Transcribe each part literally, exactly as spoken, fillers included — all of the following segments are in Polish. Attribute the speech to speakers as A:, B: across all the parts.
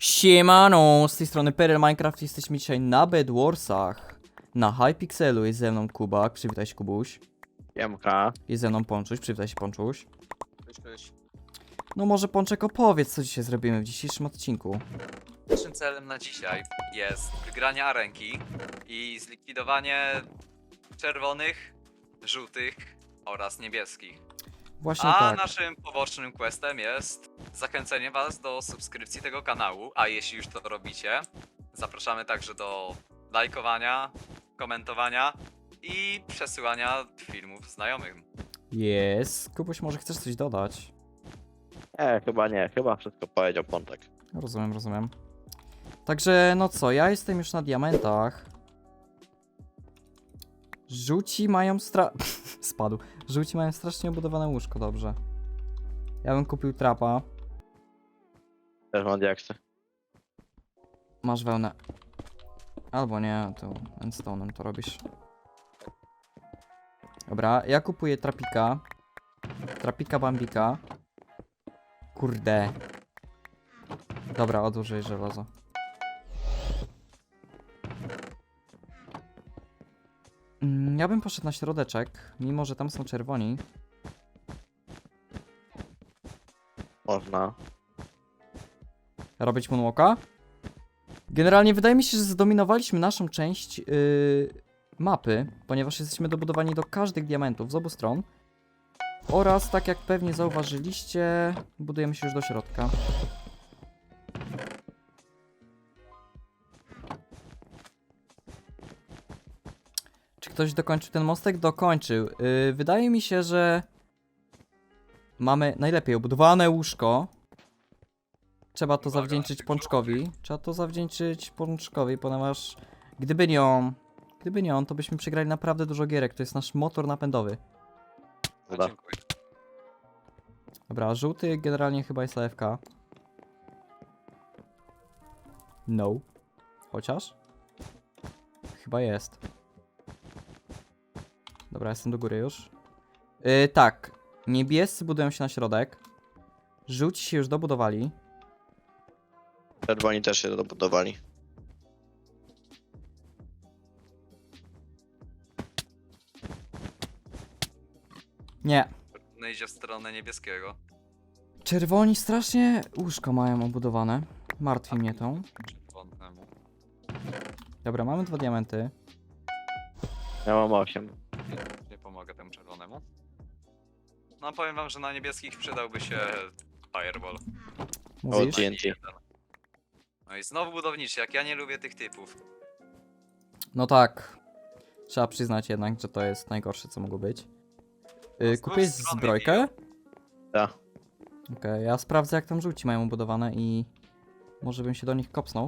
A: Siemano, z tej strony Perel Minecraft, jesteśmy dzisiaj na Bedwarsach. Na Hypixelu jest ze mną Kubak, przywitaj się Kubuś.
B: Jemka.
A: Jest ze mną Ponczuś, przywitaj się Ponczuś.
B: Cześć, cześć.
A: No może Pączek opowiedz, co dzisiaj zrobimy w dzisiejszym odcinku.
C: Naszym celem na dzisiaj jest wygranie arenki i zlikwidowanie czerwonych, żółtych oraz niebieskich.
A: Właśnie
C: A
A: tak.
C: naszym pobocznym questem jest zachęcenie was do subskrypcji tego kanału, a jeśli już to robicie, zapraszamy także do lajkowania, komentowania i przesyłania filmów znajomym.
A: Jest. Kubuś, może chcesz coś dodać?
B: Nie, chyba nie, chyba wszystko powiedział Pontek.
A: Rozumiem, rozumiem. Także, no co, ja jestem już na diamentach. Żółci mają stra... Spadł. Żółci mają strasznie obudowane łóżko, dobrze. Ja bym kupił trapa.
B: Też mam diaksy.
A: Masz wełnę. Albo nie, to endstone'em to robisz. Dobra, ja kupuję trapika. Trapika bambika. Kurde. Dobra, odłożę żelazo. Mm, ja bym poszedł na środeczek, mimo że tam są czerwoni.
B: Można.
A: Robić moonwalka? Generalnie wydaje mi się, że zdominowaliśmy naszą część yy, mapy, ponieważ jesteśmy dobudowani do każdych diamentów z obu stron. Oraz, tak jak pewnie zauważyliście, budujemy się już do środka. Czy ktoś dokończył ten mostek? Dokończył. Yy, wydaje mi się, że mamy najlepiej obudowane łóżko. Trzeba to
C: Uwaga,
A: zawdzięczyć
C: tych
A: Pączkowi. Trzeba to zawdzięczyć Pączkowi, ponieważ gdyby nie on, gdyby nie on, to byśmy przegrali naprawdę dużo gierek. To jest nasz motor napędowy.
C: No,
B: Dobra.
C: dziękuję.
A: Dobra, żółty generalnie chyba jest A F K. No. Chociaż? Chyba jest. Dobra, jestem do góry już. Yy, tak. Niebiescy budują się na środek. Żółci się już dobudowali.
B: Czerwoni też się dobudowali.
A: Nie.
C: No idzie w stronę niebieskiego.
A: Czerwoni strasznie łóżko mają obudowane. Martwi mnie to.
C: Czerwonemu.
A: Dobra, mamy dwa diamenty.
B: Ja mam osiem.
C: Nie, nie pomogę temu czerwonemu. No powiem wam, że na niebieskich przydałby się Fireball.
B: O,
A: Mówisz?
B: T N T.
C: No i znowu budowniczy, jak ja nie lubię tych typów.
A: No tak. Trzeba przyznać jednak, że to jest najgorsze, co mogło być.
C: No,
A: Yy,
C: z
A: kupię
C: dwóch stron
A: zbrojkę?
B: Tak.
A: Okej, ja sprawdzę, jak tam żółci mają budowane i może bym się do nich kopsnął.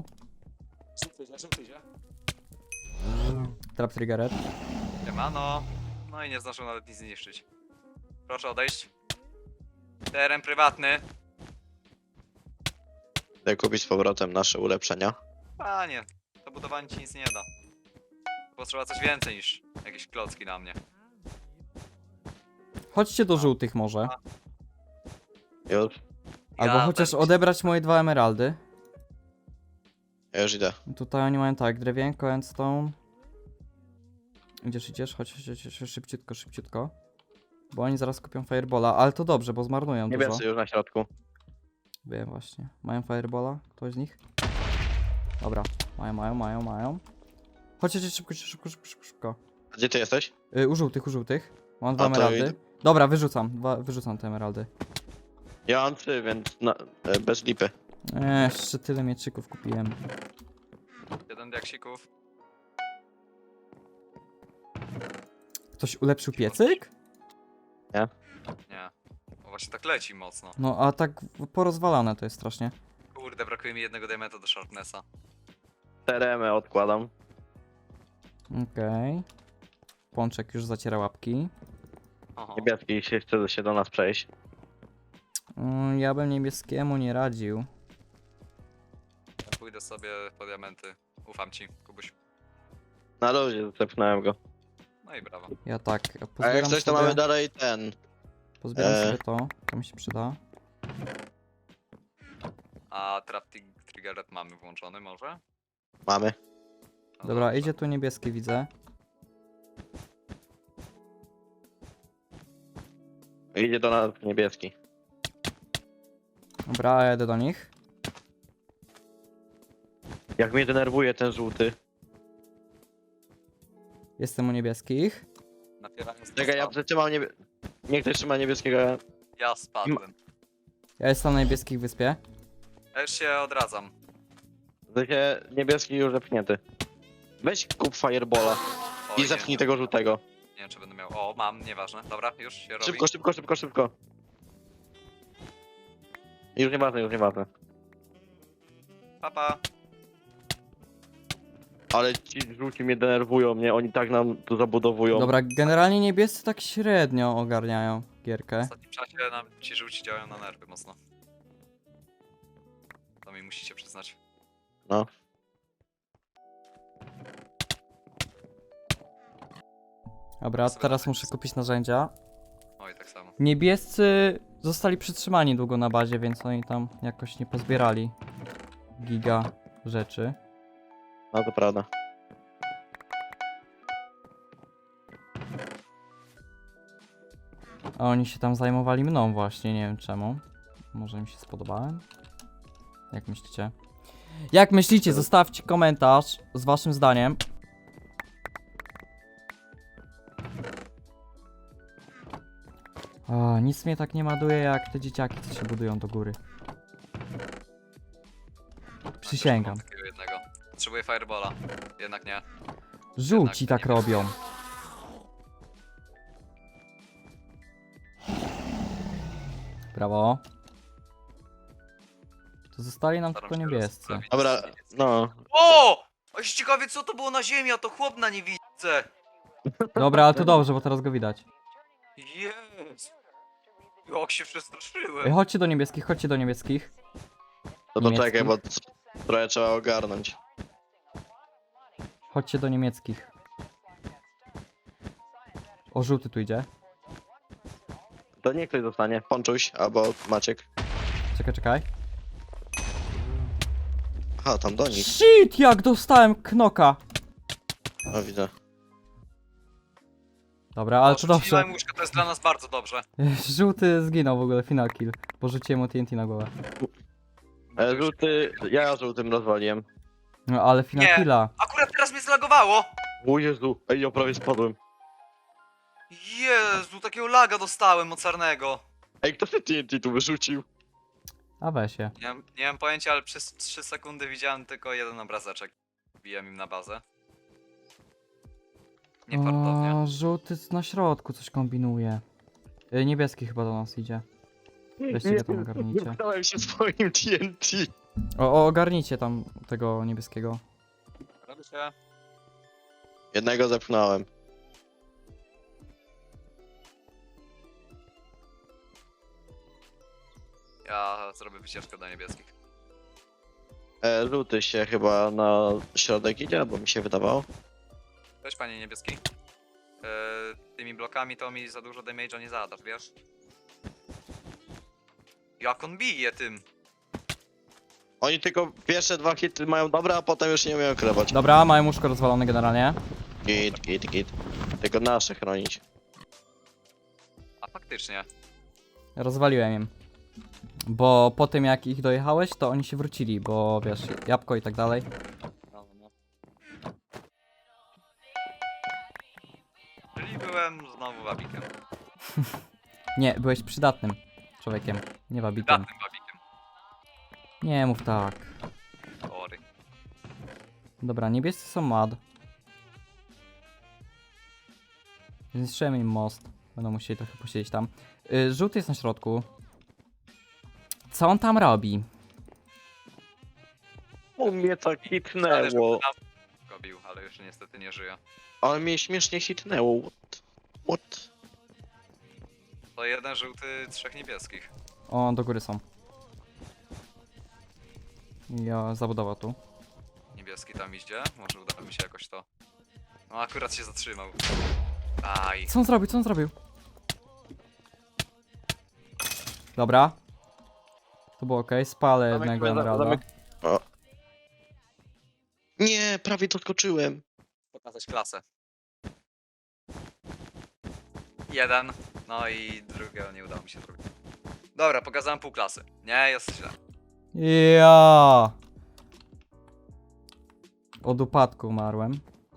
A: Trap triggered.
C: Siemano. No i nie zdążył nawet nic zniszczyć. Proszę odejść. Teren prywatny.
B: Chcę kupić z powrotem nasze ulepszenia.
C: Panie, to budowanie ci nic nie da. Potrzeba coś więcej niż jakieś klocki na mnie.
A: Chodźcie do żółtych może.
B: Już.
A: Albo
C: Ja
A: chociaż
C: będę-
A: odebrać moje dwa emeraldy.
B: Ja już idę.
A: Tutaj oni mają tak, drewienko, endstone. Idziesz, idziesz, chodź, chodź, chodź, chodź, szybciutko, szybciutko. Bo oni zaraz kupią fireballa, ale to dobrze, bo zmarnują dużo.
B: Niebiescy już na środku.
A: Wiem właśnie. Mają fireballa? Ktoś z nich? Dobra, mają, mają, mają, mają. Chodźcie, chodźcie, szybko, szybko, szybko, szybko, szybko.
B: A gdzie ty jesteś?
A: Yy, u żółtych, u żółtych. Mam dwa
B: A, to
A: emeraldy.
B: idę.
A: Dobra, wyrzucam, dwa, wyrzucam te emeraldy.
B: Ja mam trzy, więc na, e, bez lipy.
A: Eee, jeszcze tyle mieczyków kupiłem.
C: Jeden diaksików.
A: Ktoś ulepszył piecyk?
C: Nie. O, właśnie tak leci mocno.
A: No, a tak porozwalane to jest strasznie.
C: Kurde, brakuje mi jednego diamenta do sharpnessa.
B: Teremy odkładam.
A: Okej. Pączek już zaciera łapki.
C: Oho.
B: Niebieski się chce się do nas przejść.
A: Mm, ja bym niebieskiemu nie radził.
C: Ja pójdę sobie po diamenty. Ufam ci, Kubuś.
B: Na luzie zepchnąłem go.
C: No i brawo.
A: Ja tak. Ja
B: A jak
A: pozbieram
B: coś to
A: sobie,
B: mamy dalej ten.
A: pozbieram
B: e.
A: sobie to. To mi się przyda.
C: A trap tri- trigger trigger mamy włączony może?
B: Mamy.
C: No
A: Dobra,
C: dobrze.
A: idzie tu niebieski, widzę.
B: Idzie do nas niebieski.
A: Dobra, ja jedę do nich.
B: Jak mnie denerwuje ten żółty.
A: Jestem u niebieskich.
C: Napierając na
B: Czekaj, ja
C: spadł.
B: przytrzymam niebie... Nie ktoś trzyma niebieskiego. ja-
C: Ja spadłem.
A: Ja jestem na niebieskich wyspie.
C: Ja już się odradzam.
B: W sensie niebieski już zepchnięty. Weź kup Firebola
C: Oj,
B: i zepchnij
C: nie,
B: tego żółtego.
C: nie wiem czy będę miał. O, mam, nieważne. Dobra, już się robi.
B: Szybko, szybko, szybko, szybko. Już nieważne, już nieważne.
C: Papa.
B: Ale ci żółci mnie denerwują, mnie oni tak nam tu zabudowują.
A: Dobra, generalnie niebiescy tak średnio ogarniają
C: W
A: gierkę.
C: ostatnim czasie nam ci żółci działają na nerwy mocno. To mi musicie przyznać.
B: No.
A: Dobra,
C: Sobie
A: teraz
C: tak
A: muszę
C: jest.
A: kupić narzędzia.
C: Oj, tak samo.
A: Niebiescy zostali przytrzymani długo na bazie, więc oni tam jakoś nie pozbierali giga rzeczy.
B: No to prawda.
A: A oni się tam zajmowali mną właśnie, nie wiem czemu. Może mi się spodobałem? Jak myślicie? Jak myślicie? Zostawcie komentarz z waszym zdaniem. O, nic mnie tak nie maduje jak te dzieciaki, co się budują do góry. Przysięgam.
C: Mam takiego jednego. Potrzebuję firebola. Jednak nie.
A: Żółci
C: Jednak
A: tak
C: nie.
A: robią. Brawo. To zostali nam
C: Staram
A: tylko
C: się
A: niebiescy.
C: rozprawić.
B: Dobra, no.
C: O! A ciekawie co to było na ziemi, a to chłop na niewidce.
A: Dobra, ale to dobrze, bo teraz go widać.
C: Jest. Jak się
A: Ej,
C: przestraszyłem.
A: chodźcie do niebieskich, chodźcie do niebieskich.
B: To
A: Niemiecki.
B: poczekaj, bo c- trochę trzeba ogarnąć.
A: Chodźcie do niemieckich. O, żółty tu idzie.
B: To niech ktoś zostanie. Ponczuś albo Maciek.
A: Czekaj, czekaj.
B: Aha, tam do nich.
A: Shit, jak dostałem knoka.
B: O, widzę.
A: Dobra, ale to dobrze.
C: Rzuciłem łóżko, to jest dla nas bardzo dobrze.
A: Żółty zginął w ogóle, final kill. Porzuciłem mu T N T na głowę.
B: E, żółty, ja żółtym rozwaliłem.
A: No ale final
C: Nie.
A: killa.
C: Akurat teraz mnie zlagowało.
B: O Jezu, ej, ja prawie spadłem.
C: Jezu, takiego laga dostałem mocarnego.
B: Ej, kto te T N T tu wyrzucił?
A: A weź się.
C: Nie, mam- nie mam pojęcia, ale przez trzy sekundy widziałem tylko jeden obrazeczek. Wbijam im na bazę. Niefartownie.
A: O, żółty na środku coś kombinuje. Y, Niebieski chyba do nas idzie. Weźcie go tam ogarnijcie.
B: Zepchnąłem się swoim T N T.
A: O, o, ogarnijcie tam tego niebieskiego.
C: Robi się.
B: Jednego zepchnąłem.
C: Ja zrobię wycieczkę do niebieskich.
B: E, żółty się chyba na środek idzie, bo mi się wydawało.
C: Cześć panie niebieski. Eee, tymi blokami to mi za dużo damage'a nie zadasz, wiesz? Jak on bije tym?
B: Oni tylko pierwsze dwa hity mają dobre, a potem już nie umieją krewać.
A: Dobra, mają łóżko rozwalone generalnie.
B: Git, git, git. Tylko nasze chronić.
C: A faktycznie.
A: Rozwaliłem im. Bo po tym jak ich dojechałeś, to oni się wrócili, bo wiesz, jabłko i tak dalej.
C: No, no. Czyli byłem znowu wabikiem.
A: Nie, byłeś przydatnym człowiekiem, nie wabikiem.
C: Datnym wabikiem.
A: Nie mów tak.
C: Sorry.
A: Dobra, niebiescy są mad. Zniszczyłem im most. Będą musieli trochę posiedzieć tam. Y, żółty jest na środku. Co on tam robi?
B: U mnie tak
C: Ale
B: hitnęło.
C: go bił, ale już niestety nie żyje.
B: Ale mnie śmiesznie hitnęło. What? What?
C: To jeden żółty, trzech niebieskich.
A: O, do góry są. Ja zabudowa tu.
C: Niebieski tam idzie, może uda mi się jakoś to. No akurat się zatrzymał. Aj.
A: Co on zrobił? Co on zrobił? Dobra. To było ok, spalę
B: Zamek-
A: jednego
B: za-
A: emeralda.
B: zamek- O, prawie doskoczyłem.
C: Pokazać klasę. Jeden, no i drugiego nie udało mi się zrobić. Dobra, pokazałem pół klasy. Nie, jest źle.
A: Ja. Od upadku umarłem.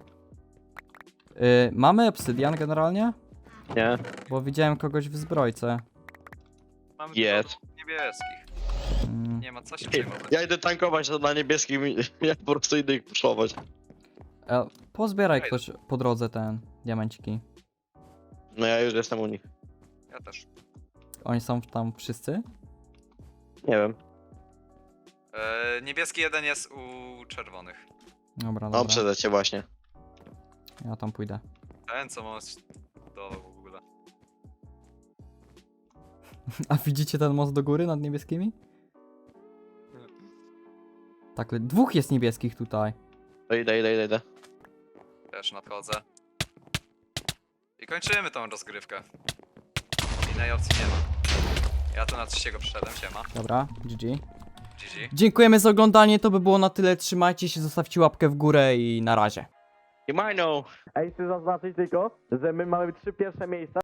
A: Y, mamy obsydian generalnie?
B: Nie?
A: Bo widziałem kogoś w zbrojce.
C: Mamy
B: Jest.
C: dużo niebieskich.
A: Mm.
C: Nie ma co się przejmować.
B: Ja idę tankować to na niebieskim i ja po prostu idę ich puszować.
A: E, pozbieraj
C: Ej.
A: ktoś po drodze ten diamenciki.
B: No ja już jestem u nich.
C: Ja też.
A: Oni są tam wszyscy?
B: Nie wiem.
C: E, niebieski jeden jest u czerwonych.
A: Dobra,
B: No
A: dobra.
B: przede cię właśnie.
A: Ja tam pójdę.
C: Ten co ma do w ogóle.
A: A widzicie ten most do góry nad niebieskimi? Tak, le- dwóch jest niebieskich tutaj.
B: To idę, idę, idę, idę.
C: Też nadchodzę. I kończymy tą rozgrywkę. Innej opcji nie ma. Ja tu na trzeciego przyszedłem, siema.
A: Dobra, G G.
C: G G.
A: Dziękujemy za oglądanie, to by było na tyle. Trzymajcie się, zostawcie łapkę w górę i na razie.
B: You might know. Ej, chcę zaznaczyć tylko, że my mamy trzy pierwsze miejsca.